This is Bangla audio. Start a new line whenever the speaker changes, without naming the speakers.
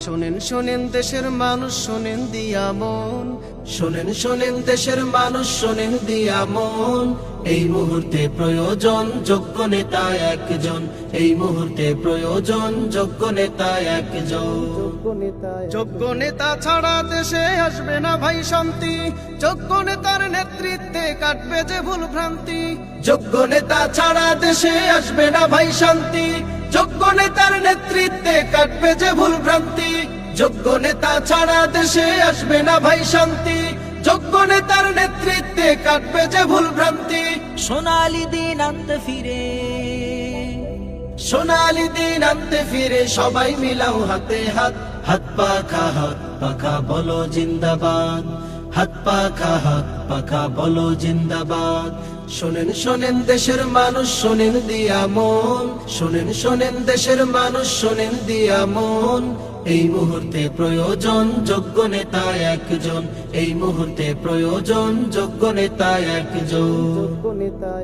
শোনেন শোনেন দেশের মানুষ শোনেন দিয়া মন, শোনেন শোনেন দেশের মানুষ শোনেন দিয়া মন। এই মুহূর্তে প্রয়োজন যোগ্য নেতা একজন, এই মুহূর্তে প্রয়োজন যোগ্য নেতা একজন। যোগ্য নেতা ছাড়া দেশে আসবে না ভাই শান্তি, যোগ্য নেতার নেতৃত্বে কাটবে যে ভুল ভ্রান্তি। যোগ্য নেতা ছাড়া দেশে আসবে না ভাই শান্তি, যোগ্য নেতার নেতৃত্বে কাটবে যে ভুল ভ্রান্তি। যোগ্য নেতা ছাড়া দেশে আসবে না ভাই শান্তি, যোগ্য নেতার নেতৃত্বে কাটবে যে ভুল ভ্রান্তি।
সোনালি দিন আনতে ফিরে,
সোনালি দিন আনতে ফিরে সবাই মিলাও হাতে হাত, হাত পাখা বলো জিন্দাবাদ, হাত পাখা বলো জিন্দাবাদ। শোনেন শোনেন দেশের মানুষ শোনেন দিয়া মন, শোনেন শোনেন দেশের মানুষ শোনেন দিয়া মন। এই মুহূর্তে প্রয়োজন যোগ্য নেতা একজন, এই মুহূর্তে প্রয়োজন যোগ্য নেতা একজন।